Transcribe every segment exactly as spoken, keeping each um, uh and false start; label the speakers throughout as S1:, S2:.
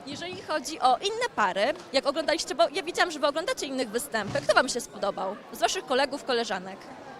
S1: Jeżeli chodzi o inne pary, jak oglądaliście, bo ja widziałam, że wy oglądacie innych występy, kto wam się spodobał? Z waszych kolegów, koleżanek?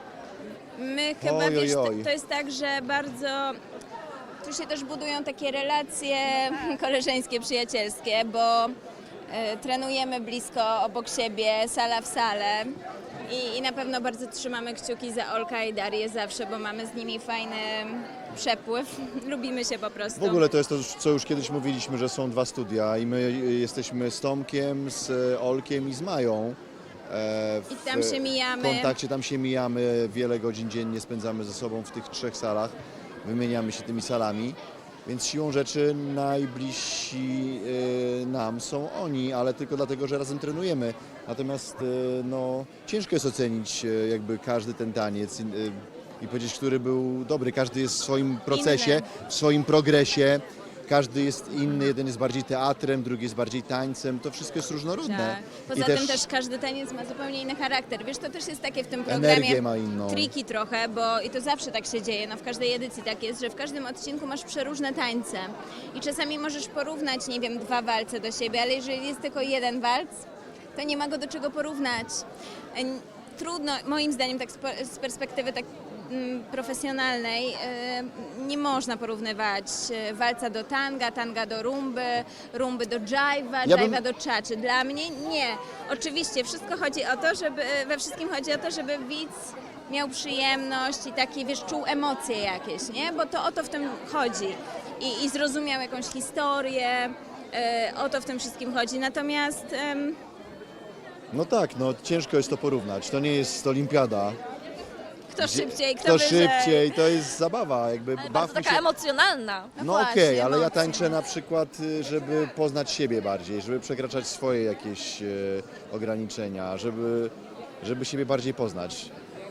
S2: My chyba,
S3: Oj, oj,
S2: wiesz, to,
S3: oj.
S2: to jest tak, że bardzo tu się też budują takie relacje koleżeńskie, przyjacielskie, bo e, trenujemy blisko obok siebie, sala w salę i, i na pewno bardzo trzymamy kciuki za Olka i Darię zawsze, bo mamy z nimi fajny przepływ, lubimy się po prostu.
S3: W ogóle to jest to, co już kiedyś mówiliśmy, że są dwa studia i my jesteśmy z Tomkiem, z Olkiem i z Mają. e,
S2: I tam się mijamy.
S3: W kontakcie tam się mijamy, wiele godzin dziennie spędzamy ze sobą w tych trzech salach, wymieniamy się tymi salami, więc siłą rzeczy najbliżsi e, nam są oni, ale tylko dlatego, że razem trenujemy. Natomiast e, no, ciężko jest ocenić e, jakby każdy ten taniec i, e, i powiedzieć, który był dobry. Każdy jest w swoim procesie,
S2: Inny.
S3: w swoim progresie. Każdy jest inny, jeden jest bardziej teatrem, drugi jest bardziej tańcem. To wszystko jest różnorodne.
S2: Tak. Poza
S3: I
S2: tym też każdy taniec ma zupełnie inny charakter. Wiesz, to też jest takie w tym programie
S3: energię ma inną.
S2: triki trochę, bo i to zawsze tak się dzieje, no w każdej edycji tak jest, że w każdym odcinku masz przeróżne tańce i czasami możesz porównać, nie wiem, dwa walce do siebie, ale jeżeli jest tylko jeden walc, to nie ma go do czego porównać. N- Trudno, moim zdaniem, tak z po- z perspektywy tak mm, profesjonalnej, e, nie można porównywać e, walca do tanga, tanga do rumby, rumby do jive'a,
S3: Ja bym-
S2: jive'a do czaczy. Dla mnie nie. Oczywiście wszystko chodzi o to, żeby, we wszystkim chodzi o to, żeby widz miał przyjemność i takie, wiesz, czuł emocje jakieś, nie? Bo to o to w tym chodzi. I, i zrozumiał jakąś historię, e, o to w tym wszystkim chodzi. Natomiast em,
S3: No tak, no ciężko jest to porównać. To nie jest olimpiada.
S2: kto szybciej, kto,
S3: Kto
S2: wyżej.
S3: szybciej, to jest zabawa, jakby
S1: Ale bardzo
S3: bawmy
S1: taka
S3: się.
S1: emocjonalna.
S2: No
S3: No
S2: właśnie,
S3: okej, ale ja
S2: emocje.
S3: tańczę na przykład, y, żeby poznać siebie bardziej, żeby przekraczać swoje jakieś e, ograniczenia, żeby, żeby siebie bardziej poznać.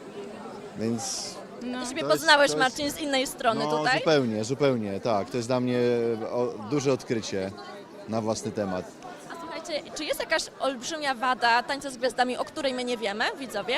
S3: Więc
S2: No.
S1: Ty siebie
S3: To jest-
S1: poznałeś,
S3: to jest-
S1: Marcin, z innej strony
S3: no
S1: tutaj?
S3: zupełnie, zupełnie, tak. To jest dla mnie o, duże odkrycie na własny temat.
S1: A słuchajcie, czy jest jakaś olbrzymia wada tańca z gwiazdami, o której my nie wiemy, widzowie?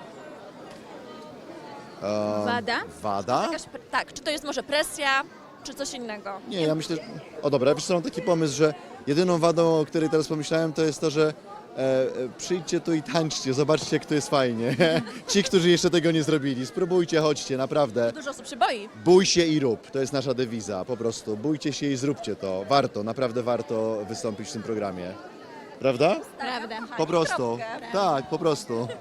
S3: E,
S2: Wada?
S3: Wada?
S1: Jakaś, pre- tak, czy to jest może presja, czy coś innego?
S3: Nie, ja myślę, że... O dobra, wiesz co, mam taki pomysł, że jedyną wadą, o której teraz pomyślałem, to jest to, że e, e, przyjdźcie tu i tańczcie, zobaczcie, jak to jest fajnie. Ci, którzy jeszcze tego nie zrobili, spróbujcie, chodźcie, naprawdę.
S1: Dużo osób się boi.
S3: Bój się i rób, to jest nasza dewiza, po prostu. Bójcie się i zróbcie to. Warto, naprawdę warto wystąpić w tym programie. Prawda?
S2: Prawda.
S3: Po prostu.
S1: Kropkę.
S3: Tak, po prostu.